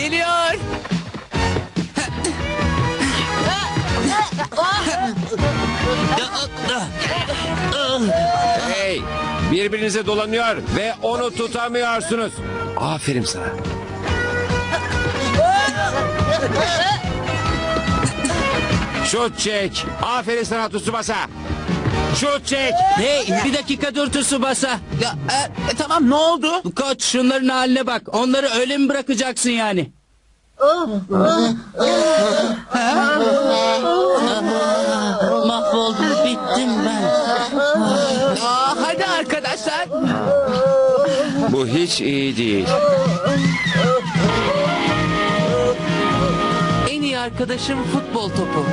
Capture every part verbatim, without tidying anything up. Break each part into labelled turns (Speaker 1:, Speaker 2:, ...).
Speaker 1: Geliyor.
Speaker 2: Hey, birbirinize dolanıyor ve onu tutamıyorsunuz. Aferin sana. Şut çek. Aferin sana Tsubasa. Şut çek.
Speaker 3: Hey bir dakika dur Tsubasa.
Speaker 1: Ya, e, e, tamam ne oldu?
Speaker 3: Koç şunların haline bak. Onları öyle mi bırakacaksın yani? Mahvoldum, bittim ben.
Speaker 1: Aa, hadi arkadaşlar.
Speaker 2: Bu hiç iyi değil.
Speaker 1: En iyi arkadaşım futbol topu.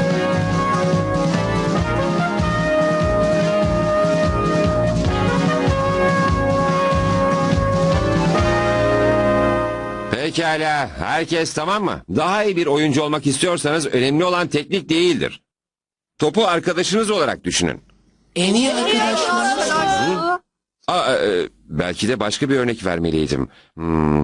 Speaker 2: Pekala, herkes tamam mı? Daha iyi bir oyuncu olmak istiyorsanız önemli olan teknik değildir. Topu arkadaşınız olarak düşünün.
Speaker 1: En iyi arkadaşlar.
Speaker 2: Aa, e, belki de başka bir örnek vermeliydim. Hmm.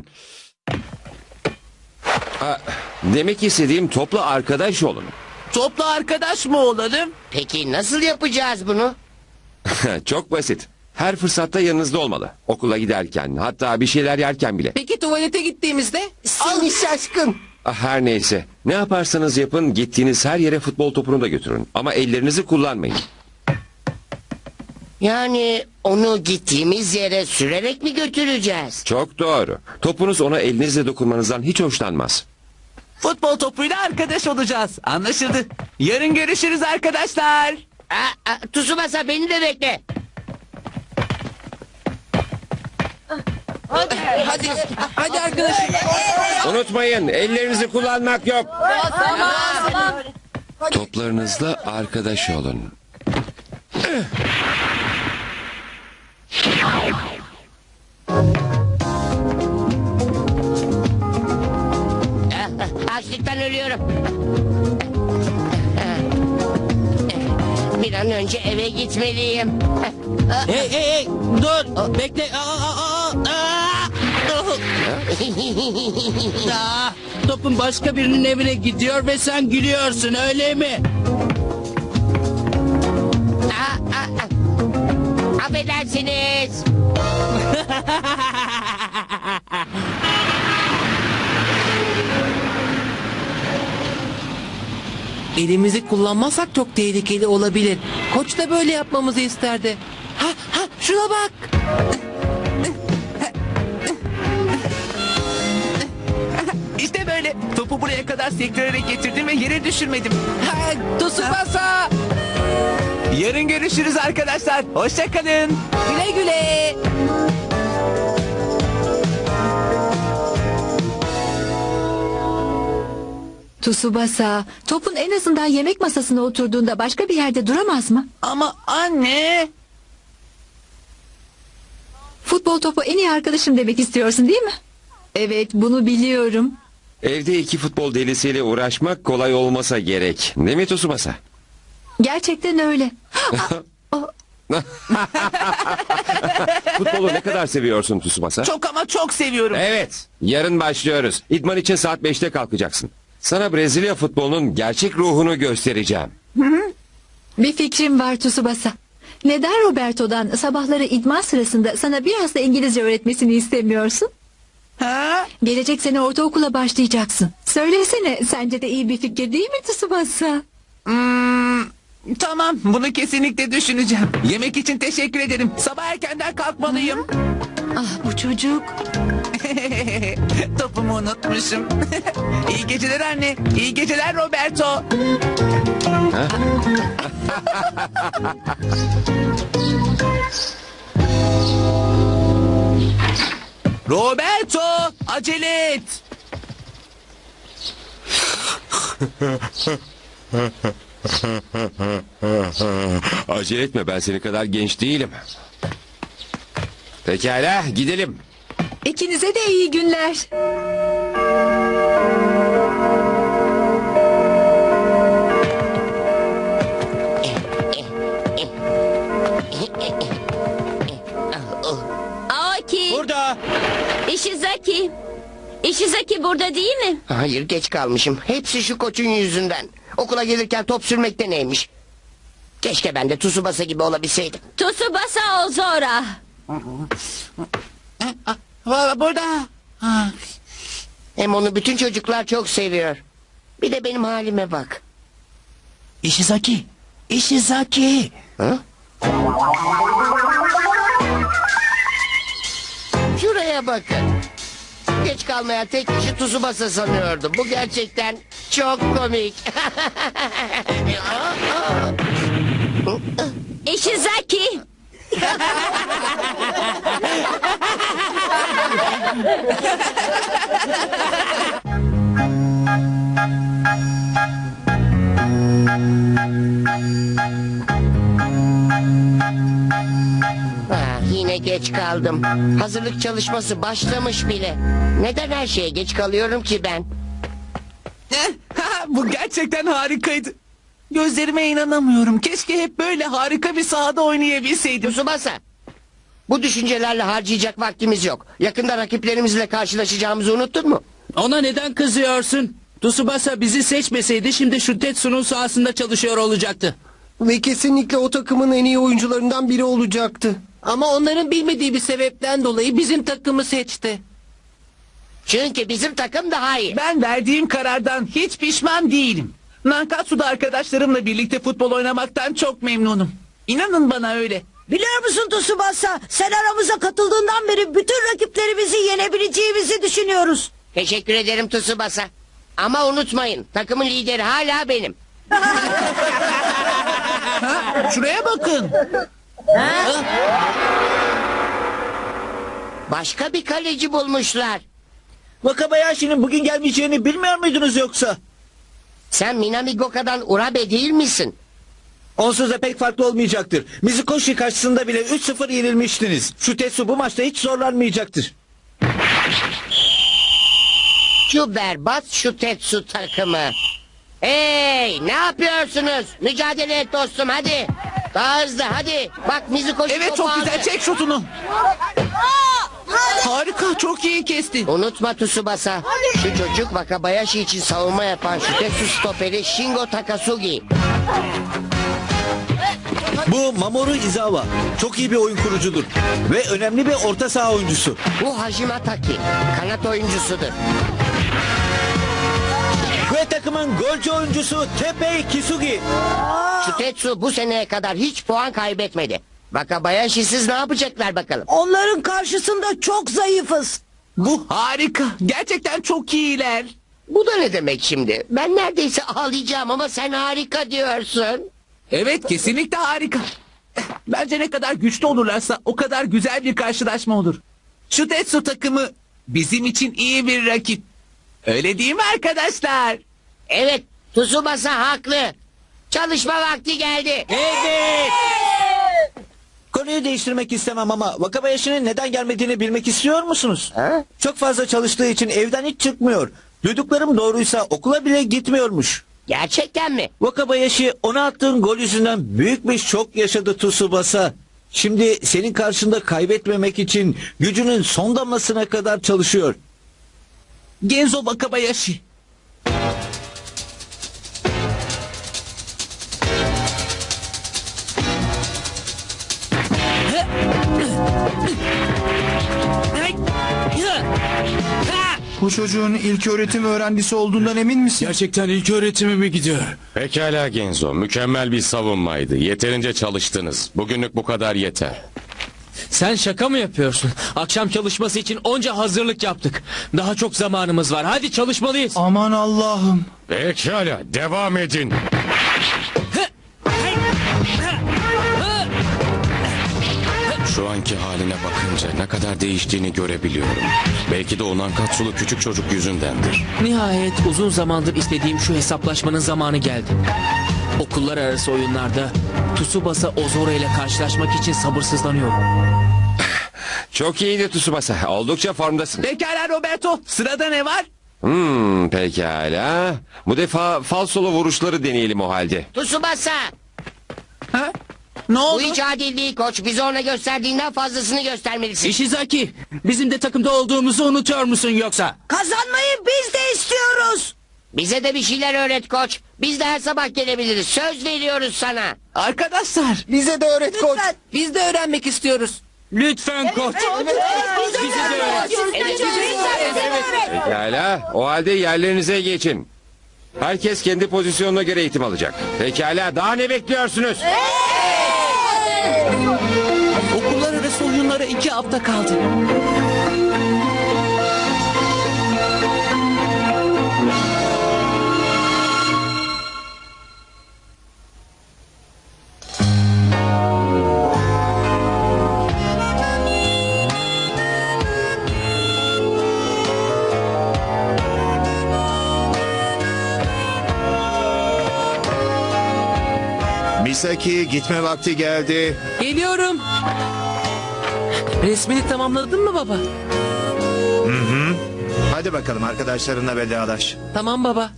Speaker 2: Aa, demek istediğim topla arkadaş olun.
Speaker 1: Topla arkadaş mı olalım?
Speaker 4: Peki nasıl yapacağız bunu?
Speaker 2: Çok basit. Her fırsatta yanınızda olmalı. Okula giderken, hatta bir şeyler yerken bile.
Speaker 1: Peki tuvalete gittiğimizde?
Speaker 4: Seni şaşkın.
Speaker 2: Ah, her neyse. Ne yaparsanız yapın, gittiğiniz her yere futbol topunu da götürün. Ama ellerinizi kullanmayın.
Speaker 4: Yani onu gittiğimiz yere sürerek mi götüreceğiz?
Speaker 2: Çok doğru. Topunuz ona elinizle dokunmanızdan hiç hoşlanmaz.
Speaker 1: Futbol topuyla arkadaş olacağız. Anlaşıldı. Yarın görüşürüz arkadaşlar.
Speaker 4: Aa, aa, Tsubasa beni de bekle.
Speaker 1: Hadi, hadi arkadaşlar.
Speaker 2: Unutmayın, ellerinizi kullanmak yok. Toplarınızla arkadaş olun.
Speaker 4: Ah, Açlıktan ölüyorum. Bir an önce eve gitmeliyim.
Speaker 3: Hey hey hey dur bekle. Aa, aa, aa, aa. Aa, topun başka birinin evine gidiyor ve sen gülüyorsun öyle mi?
Speaker 4: Aa, aa, aa. Affedersiniz.
Speaker 1: Elimizi kullanmazsak çok tehlikeli olabilir. Koç da böyle yapmamızı isterdi. Ha ha şuna bak. İşte böyle. Topu buraya kadar sektirerek getirdim ve yere düşürmedim. Ha, Tsubasa. Yarın görüşürüz arkadaşlar. Hoşça kalın. Güle güle.
Speaker 5: Tsubasa, topun en azından yemek masasına oturduğunda başka bir yerde duramaz mı?
Speaker 1: Ama anne.
Speaker 5: Futbol topu en iyi arkadaşım demek istiyorsun değil mi? Evet, bunu biliyorum.
Speaker 2: Evde iki futbol delisiyle uğraşmak kolay olmasa gerek. Değil mi Tsubasa?
Speaker 5: Gerçekten öyle.
Speaker 2: Futbolu ne kadar seviyorsun Tsubasa?
Speaker 1: Çok ama çok seviyorum.
Speaker 2: Evet, yarın başlıyoruz. İdman için saat beşte kalkacaksın. Sana Brezilya futbolunun gerçek ruhunu göstereceğim.
Speaker 5: Bir fikrim var Tsubasa. Neden Roberto'dan sabahları idman sırasında sana biraz da İngilizce öğretmesini istemiyorsun?
Speaker 1: Ha?
Speaker 5: Gelecek sene ortaokula başlayacaksın. Söylesene, sence de iyi bir fikir değil mi Tsubasa?
Speaker 1: Hmm, tamam, bunu kesinlikle düşüneceğim. Yemek için teşekkür ederim. Sabah erkenden kalkmalıyım.
Speaker 5: Ah, bu çocuk.
Speaker 1: Topumu unutmuşum. İyi geceler anne. İyi geceler Roberto. Roberto, acele et.
Speaker 2: Acele etme, ben seni kadar genç değilim. Pekala, gidelim.
Speaker 5: İkinize de iyi günler.
Speaker 6: Aoki,
Speaker 3: Burada.
Speaker 6: Ishizaki. Ishizaki burada değil mi?
Speaker 4: Hayır, geç kalmışım. Hepsi şu koçun yüzünden. Okula gelirken top sürmekte neymiş? Keşke ben de Tsubasa gibi olabilseydim.
Speaker 6: Tsubasa Ozora.
Speaker 1: Va- Burada. Ha.
Speaker 4: Hem onu bütün çocuklar çok seviyor. Bir de benim halime bak.
Speaker 1: Ishizaki. Ishizaki.
Speaker 4: Ha? Şuraya bakın. Geç kalmayan tek kişi Tsubasa sanıyordum. Bu gerçekten çok komik.
Speaker 6: Ishizaki.
Speaker 4: Ah, yine geç kaldım. Hazırlık çalışması başlamış bile. Neden her şeye geç kalıyorum ki ben?
Speaker 1: Eh, ha, Bu gerçekten harikaydı. Gözlerime inanamıyorum. Keşke hep böyle harika bir sahada oynayabilseydim.
Speaker 4: Tsubasa. Bu düşüncelerle harcayacak vaktimiz yok. Yakında rakiplerimizle karşılaşacağımızı unuttun mu?
Speaker 3: Ona neden kızıyorsun? Tsubasa bizi seçmeseydi şimdi şu Tetsu'nun sahasında çalışıyor olacaktı.
Speaker 7: Ve kesinlikle o takımın en iyi oyuncularından biri olacaktı. Ama onların bilmediği bir sebepten dolayı bizim takımı seçti.
Speaker 4: Çünkü bizim takım daha iyi.
Speaker 1: Ben verdiğim karardan hiç pişman değilim. Nankatsu'da arkadaşlarımla birlikte futbol oynamaktan çok memnunum. İnanın bana öyle.
Speaker 8: Biliyor musun Tsubasa? Sen aramıza katıldığından beri bütün rakiplerimizi yenebileceğimizi düşünüyoruz.
Speaker 4: Teşekkür ederim Tsubasa. Ama unutmayın, takımın lideri hala benim.
Speaker 1: Şuraya bakın.
Speaker 4: Başka bir kaleci bulmuşlar.
Speaker 9: Wakabayashi'nin bugün gelmeyeceğini bilmiyor muydunuz yoksa?
Speaker 4: Sen Minami Goka'dan Urabe değil misin?
Speaker 9: Onsuz da pek farklı olmayacaktır. Mizukoshi karşısında bile üç sıfır yenilmiştiniz. Şu Tetsu bu maçta hiç zorlanmayacaktır.
Speaker 4: Şu berbat şu Tetsu takımı. Hey, ne yapıyorsunuz? Mücadele et dostum, hadi. Daha hızlı, hadi. Bak Mizukoshi
Speaker 1: Evet,
Speaker 4: topu
Speaker 1: çok
Speaker 4: aldı.
Speaker 1: güzel. Çek şutunu. Harika, çok iyi kestin.
Speaker 4: Unutma Tsubasa. Şu çocuk Wakabayashi için savunma yapan şu Tetsu stoperi Shingo Takasugi.
Speaker 9: Bu Mamoru Izawa. Çok iyi bir oyun kurucudur. Ve önemli bir orta saha oyuncusu.
Speaker 4: Bu Hajime Taki. Kanat oyuncusudur.
Speaker 9: Ve takımın golcü oyuncusu Teppei Kisugi.
Speaker 4: Şu Tetsu bu seneye kadar hiç puan kaybetmedi. Wakabayashi'siz ne yapacaklar bakalım?
Speaker 8: Onların karşısında çok zayıfız.
Speaker 1: Bu harika. Gerçekten çok iyiler.
Speaker 4: Bu da ne demek şimdi? Ben neredeyse ağlayacağım ama sen harika diyorsun.
Speaker 1: Evet, kesinlikle harika. Bence ne kadar güçlü olurlarsa o kadar güzel bir karşılaşma olur. Şu Tetsu takımı bizim için iyi bir rakip. Öyle değil mi arkadaşlar?
Speaker 4: Evet, Tsubasa haklı. Çalışma vakti geldi.
Speaker 9: Evet. Konuyu değiştirmek istemem ama Wakabayashi'nin neden gelmediğini bilmek istiyor musunuz?
Speaker 4: Ha?
Speaker 9: Çok fazla çalıştığı için evden hiç çıkmıyor. Duyduklarım doğruysa okula bile gitmiyormuş.
Speaker 4: Gerçekten mi?
Speaker 9: Wakabayashi ona attığın gol yüzünden büyük bir şok yaşadı Tsubasa. Şimdi senin karşında kaybetmemek için gücünün son damlasına kadar çalışıyor.
Speaker 1: Genzo Wakabayashi.
Speaker 7: Bu çocuğun ilk öğretim öğrencisi olduğundan emin misin?
Speaker 3: Gerçekten ilk öğretimi mi gidiyor?
Speaker 2: Pekala Genzo, mükemmel bir savunmaydı. Yeterince çalıştınız. Bugünlük bu kadar yeter.
Speaker 3: Sen şaka mı yapıyorsun? Akşam çalışması için onca hazırlık yaptık. Daha çok zamanımız var. Hadi çalışmalıyız.
Speaker 7: Aman Allah'ım.
Speaker 2: Pekala, devam edin. Şu anki haline bakınca ne kadar değiştiğini görebiliyorum. Belki de o Nankatsulu küçük çocuk yüzündendir.
Speaker 3: Nihayet uzun zamandır istediğim şu hesaplaşmanın zamanı geldi. Okullar arası oyunlarda Tsubasa Ozora ile karşılaşmak için sabırsızlanıyorum.
Speaker 2: Çok iyiydi Tsubasa. Oldukça formdasın.
Speaker 1: Pekala Roberto. Sırada ne var?
Speaker 2: Hmm, pekala. Bu defa falsolu vuruşları deneyelim o halde.
Speaker 4: Tsubasa.
Speaker 1: Ha?
Speaker 3: Ne
Speaker 4: Bu
Speaker 3: oldu?
Speaker 4: hiç adil değil koç. Bize ona gösterdiğinden fazlasını göstermelisin.
Speaker 3: Ishizaki, bizim de takımda olduğumuzu unutuyor musun yoksa?
Speaker 8: Kazanmayı biz de istiyoruz.
Speaker 4: Bize de bir şeyler öğret koç. Biz de her sabah gelebiliriz. Söz veriyoruz sana.
Speaker 1: Arkadaşlar
Speaker 7: Bize de öğret koç.
Speaker 8: Lütfen.
Speaker 7: Biz de öğrenmek istiyoruz.
Speaker 3: Lütfen koç.
Speaker 8: Bize de öğret.
Speaker 2: Pekala, o halde yerlerinize geçin. Herkes kendi pozisyonuna göre eğitim alacak. Pekala, daha ne bekliyorsunuz?
Speaker 1: okullar arası oyunlara iki hafta kaldı.
Speaker 10: Misaki, gitme vakti geldi.
Speaker 7: Geliyorum. Resmini tamamladın mı baba?
Speaker 10: Hadi bakalım arkadaşlarınla vedalaş.
Speaker 7: Tamam baba.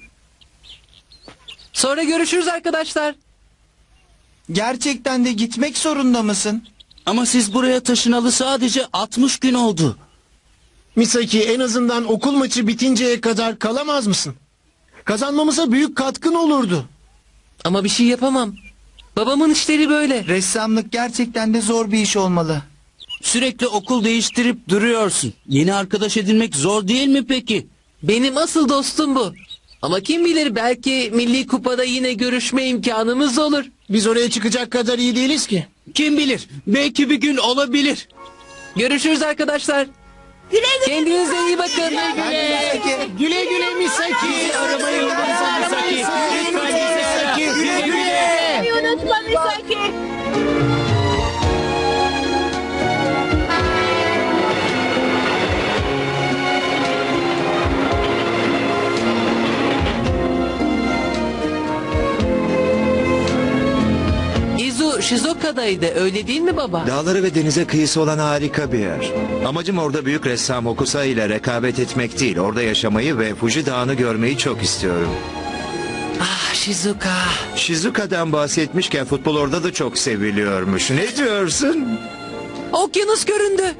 Speaker 7: Sonra görüşürüz arkadaşlar.
Speaker 11: Gerçekten de gitmek zorunda mısın?
Speaker 3: Ama siz buraya taşınalı sadece altmış gün oldu.
Speaker 11: Misaki, en azından okul maçı bitinceye kadar kalamaz mısın? Kazanmamıza büyük katkın olurdu.
Speaker 7: Ama bir şey yapamam. Babamın işleri böyle.
Speaker 11: Ressamlık gerçekten de zor bir iş olmalı.
Speaker 3: Sürekli okul değiştirip duruyorsun. Yeni arkadaş edinmek zor değil mi peki?
Speaker 7: Benim asıl dostum bu. Ama kim bilir, belki Milli Kupa'da yine görüşme imkanımız olur.
Speaker 11: Biz oraya çıkacak kadar iyi değiliz ki.
Speaker 3: Kim bilir? Belki bir gün olabilir.
Speaker 7: Görüşürüz arkadaşlar.
Speaker 8: Güle güle.
Speaker 7: Kendinize iyi bakın.
Speaker 11: Güle güle Misaki. Arabayı unutma Misaki. Lütfen Misaki. Güle güle.
Speaker 6: Unutma Misaki.
Speaker 7: Izu Shizoka'daydı, öyle değil mi baba?
Speaker 10: Dağları ve denize kıyısı olan harika bir yer. Amacım orada büyük ressam Hokusai ile rekabet etmek değil. Orada yaşamayı ve Fuji Dağı'nı görmeyi çok istiyorum.
Speaker 7: Ah Shizuka.
Speaker 10: Shizuka'dan bahsetmişken futbol orada da çok seviliyormuş. Ne diyorsun?
Speaker 7: Okyanus göründü.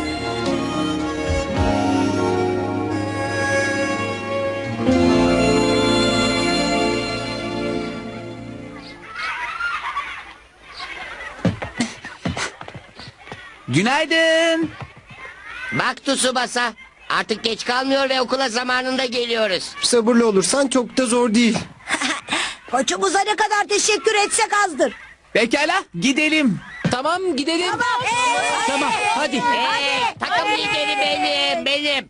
Speaker 1: Günaydın.
Speaker 4: Bak Tsubasa. Artık geç kalmıyor ve okula zamanında geliyoruz.
Speaker 7: Sabırlı olursan çok da zor değil.
Speaker 8: Koçumuza ne kadar teşekkür etsek azdır.
Speaker 1: Pekala gidelim.
Speaker 7: Tamam gidelim.
Speaker 3: Tamam hadi.
Speaker 4: Ee, takım lideri benim, benim.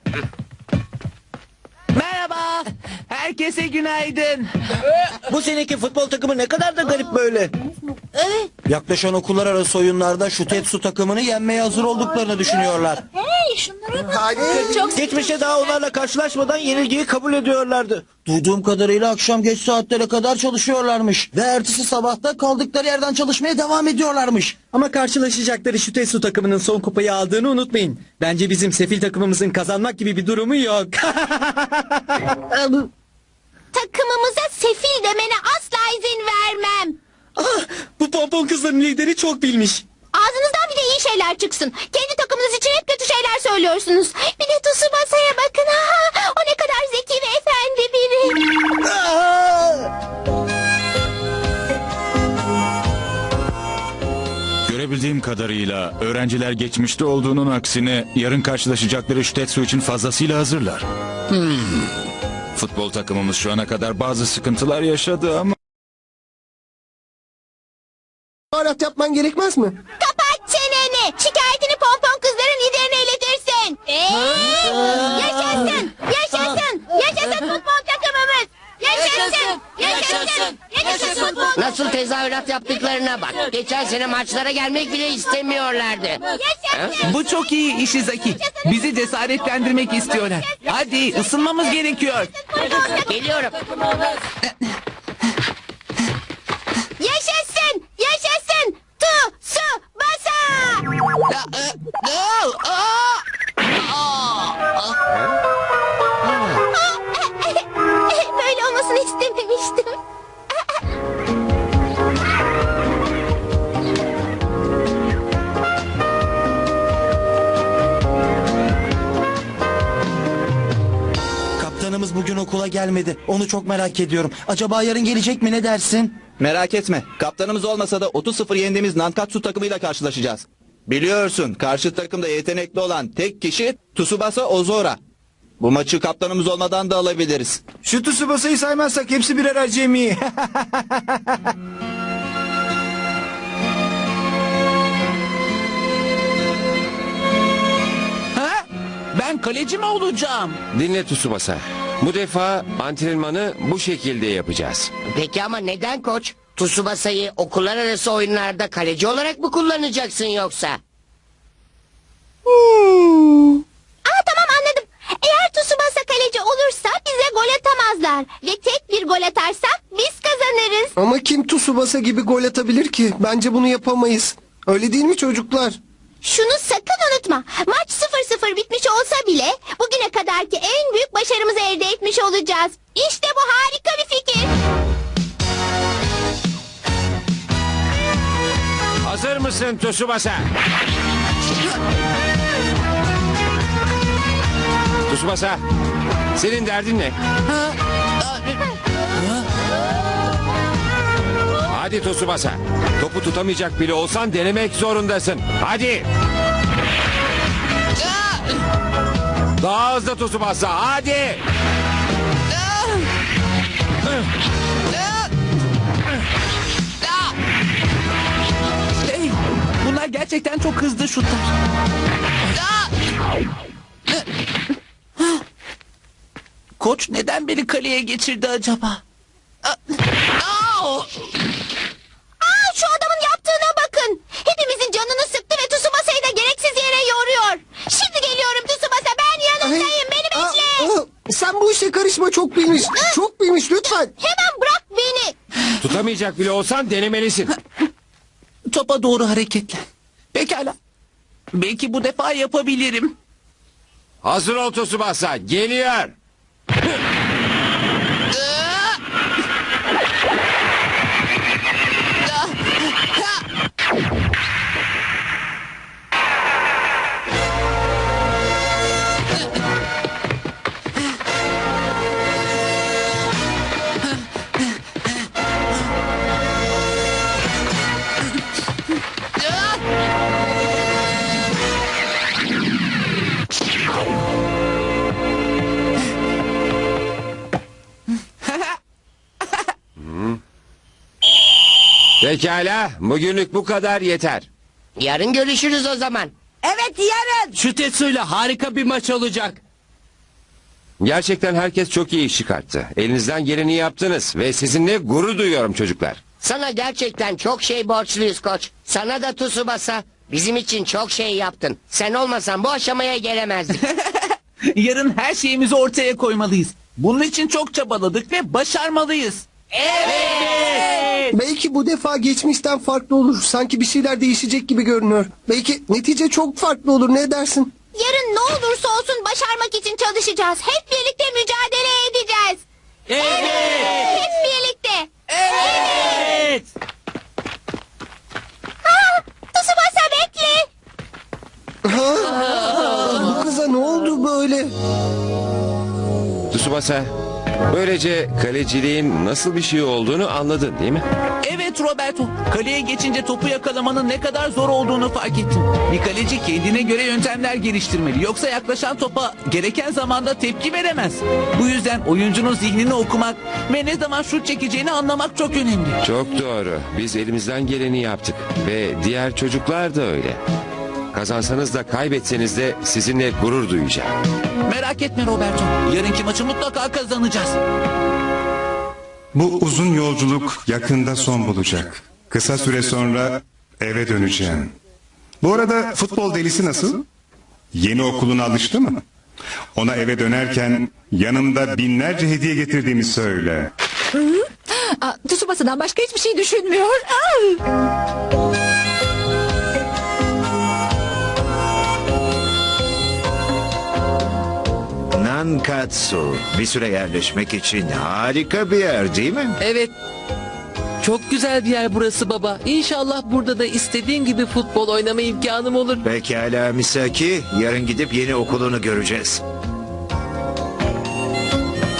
Speaker 1: Merhaba. Herkese günaydın.
Speaker 9: Bu seneki futbol takımı ne kadar da garip böyle. Yaklaşan okullar arası oyunlarda şu Tetsu takımını yenmeye hazır olduklarını düşünüyorlar.
Speaker 6: Hey şunlara bak. Çok
Speaker 9: Geçmişte daha onlarla karşılaşmadan yenilgiyi kabul ediyorlardı. Duyduğum kadarıyla akşam geç saatlere kadar çalışıyorlarmış. Ve ertesi sabahta kaldıkları yerden çalışmaya devam ediyorlarmış.
Speaker 12: Ama karşılaşacakları şu Tetsu takımının son kupayı aldığını unutmayın. Bence bizim sefil takımımızın kazanmak gibi bir durumu yok.
Speaker 6: takımımıza sefil demene asla izin vermem.
Speaker 12: Ah, bu pompon kızların lideri çok bilmiş.
Speaker 6: Ağzınızdan bir de iyi şeyler çıksın. Kendi takımınız için hep kötü şeyler söylüyorsunuz. Bir de Tsubasa'ya bakın. Ha, o ne kadar zeki ve efendi biri.
Speaker 13: Görebildiğim kadarıyla öğrenciler geçmişte olduğunun aksine yarın karşılaşacakları şu Tetsu için fazlasıyla hazırlar. Hmm. Futbol takımımız şu ana kadar bazı sıkıntılar yaşadı ama...
Speaker 7: Arat yapman gerekmez mi?
Speaker 6: Kapat çeneni. Şikayetini pompon kızların liderine iletirsin. Eee, yaşasın. Yaşasın. Yaşasın futbol takımımız. Yaşasın. Yaşasın. Yaşasın futbol.
Speaker 4: Nasıl tezahürat yaptıklarına bak. Geçen sene maçlara gelmek bile istemiyorlardı.
Speaker 6: Yaşasın.
Speaker 1: Bu çok iyi Ishizaki. Bizi cesaretlendirmek istiyorlar. Hadi ısınmamız gerekiyor.
Speaker 4: Geliyorum.
Speaker 6: Yaşasın. Yaşasın. Tu, su, basa. Böyle olmasını istememiştim.
Speaker 14: Kaptanımız bugün okula gelmedi. Onu çok merak ediyorum. Acaba yarın gelecek mi, ne dersin?
Speaker 15: Merak etme. Kaptanımız olmasa da otuz sıfır yendiğimiz Nankatsu takımıyla karşılaşacağız. Biliyorsun karşı takımda yetenekli olan tek kişi Tsubasa Ozora. Bu maçı kaptanımız olmadan da alabiliriz.
Speaker 11: Şu Tsubasa'yı saymazsak hepsi birer acemi.
Speaker 1: Ha? Ben kaleci mi olacağım?
Speaker 2: Dinle Tsubasa. Bu defa antrenmanı bu şekilde yapacağız.
Speaker 4: Peki ama neden koç? Tsubasa'yı okullar arası oyunlarda kaleci olarak mı kullanacaksın yoksa?
Speaker 6: Aa tamam anladım. Eğer Tsubasa kaleci olursa bize gol atamazlar. Ve tek bir gol atarsak biz kazanırız.
Speaker 7: Ama kim Tsubasa gibi gol atabilir ki? Bence bunu yapamayız. Öyle değil mi çocuklar?
Speaker 6: Şunu sakın unutma. Maç sıfır sıfır bitmiş olsa bile bugüne kadarki en büyük başarımızı elde etmiş olacağız. İşte bu harika bir fikir.
Speaker 2: Hazır mısın Tsubasa? Tsubasa, senin derdin ne? Hadi Tsubasa. Topu tutamayacak bile olsan denemek zorundasın. Hadi. Daha hızlı Tsubasa. Hadi.
Speaker 1: Hey, bunlar gerçekten çok hızlı şutlar. Koç neden beni kaleye geçirdi acaba?
Speaker 6: Aa, şu adamın yaptığına bakın. Hepimizin canını sıktı ve Tsubasa'yı da gereksiz yere yoruyor. Şimdi geliyorum Tsubasa, ben yanındayım, beni bekle.
Speaker 7: Aa, sen bu işe karışma, çok bilmiş. Çok bilmiş, lütfen.
Speaker 6: Hemen bırak beni.
Speaker 2: Tutamayacak bile olsan denemelisin.
Speaker 1: Topa doğru hareketlen. Pekala. Belki bu defa yapabilirim.
Speaker 2: Hazır ol Tsubasa. Geliyor. Pekala, bugünlük bu kadar yeter.
Speaker 4: Yarın görüşürüz o zaman.
Speaker 8: Evet, yarın.
Speaker 3: Şu Tetsu'yla harika bir maç olacak.
Speaker 2: Gerçekten herkes çok iyi iş çıkarttı. Elinizden geleni yaptınız ve sizinle gurur duyuyorum çocuklar.
Speaker 4: Sana gerçekten çok şey borçluyuz koç. Sana da Tsubasa. Bizim için çok şey yaptın. Sen olmasan bu aşamaya gelemezdik.
Speaker 1: Yarın her şeyimizi ortaya koymalıyız. Bunun için çok çabaladık ve başarmalıyız.
Speaker 7: Evet. Belki bu defa geçmişten farklı olur. Sanki bir şeyler değişecek gibi görünüyor. Belki netice çok farklı olur, ne dersin?
Speaker 6: Yarın ne olursa olsun başarmak için çalışacağız. Hep birlikte mücadele edeceğiz.
Speaker 3: Evet.
Speaker 6: Hep birlikte.
Speaker 3: Evet.
Speaker 6: Ha, Tsubasa bekle.
Speaker 7: Ha? Bu kıza ne oldu böyle?
Speaker 2: Tsubasa, böylece kaleciliğin nasıl bir şey olduğunu anladın değil mi?
Speaker 1: Evet Roberto. Kaleye geçince topu yakalamanın ne kadar zor olduğunu fark ettim. Bir kaleci kendine göre yöntemler geliştirmeli. Yoksa yaklaşan topa gereken zamanda tepki veremez. Bu yüzden oyuncunun zihnini okumak ve ne zaman şut çekeceğini anlamak çok önemli.
Speaker 2: Çok doğru. Biz elimizden geleni yaptık. Ve diğer çocuklar da öyle. Kazansanız da kaybetseniz de sizinle gurur duyacağım.
Speaker 1: Merak etme Roberto. Yarınki maçı mutlaka kazanacağız.
Speaker 16: Bu uzun yolculuk yakında son bulacak. Kısa süre sonra eve döneceğim. Bu arada futbol delisi nasıl? Yeni okuluna alıştı mı? Ona eve dönerken yanımda binlerce hediye getirdiğimi söyle.
Speaker 5: Aa, Tsubasa'dan başka hiçbir şey düşünmüyor. Aa!
Speaker 10: Nankatsu bir süre yerleşmek için harika bir yer değil mi?
Speaker 3: Evet. Çok güzel bir yer burası baba. İnşallah burada da istediğin gibi futbol oynama imkanım olur.
Speaker 10: Pekala Misaki, yarın gidip yeni okulunu göreceğiz.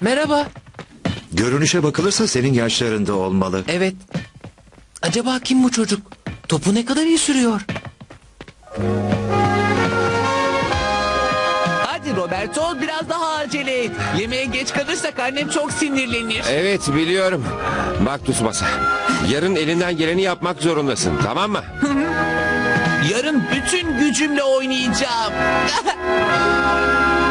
Speaker 1: Merhaba.
Speaker 10: Görünüşe bakılırsa senin yaşlarında olmalı.
Speaker 1: Evet. Acaba kim bu çocuk? Topu ne kadar iyi sürüyor? Hadi Roberto biraz daha acele et. Yemeğe geç kalırsak annem çok sinirlenir.
Speaker 2: Evet biliyorum. Bak Tsubasa. Yarın elinden geleni yapmak zorundasın, tamam mı?
Speaker 1: Yarın bütün gücümle oynayacağım.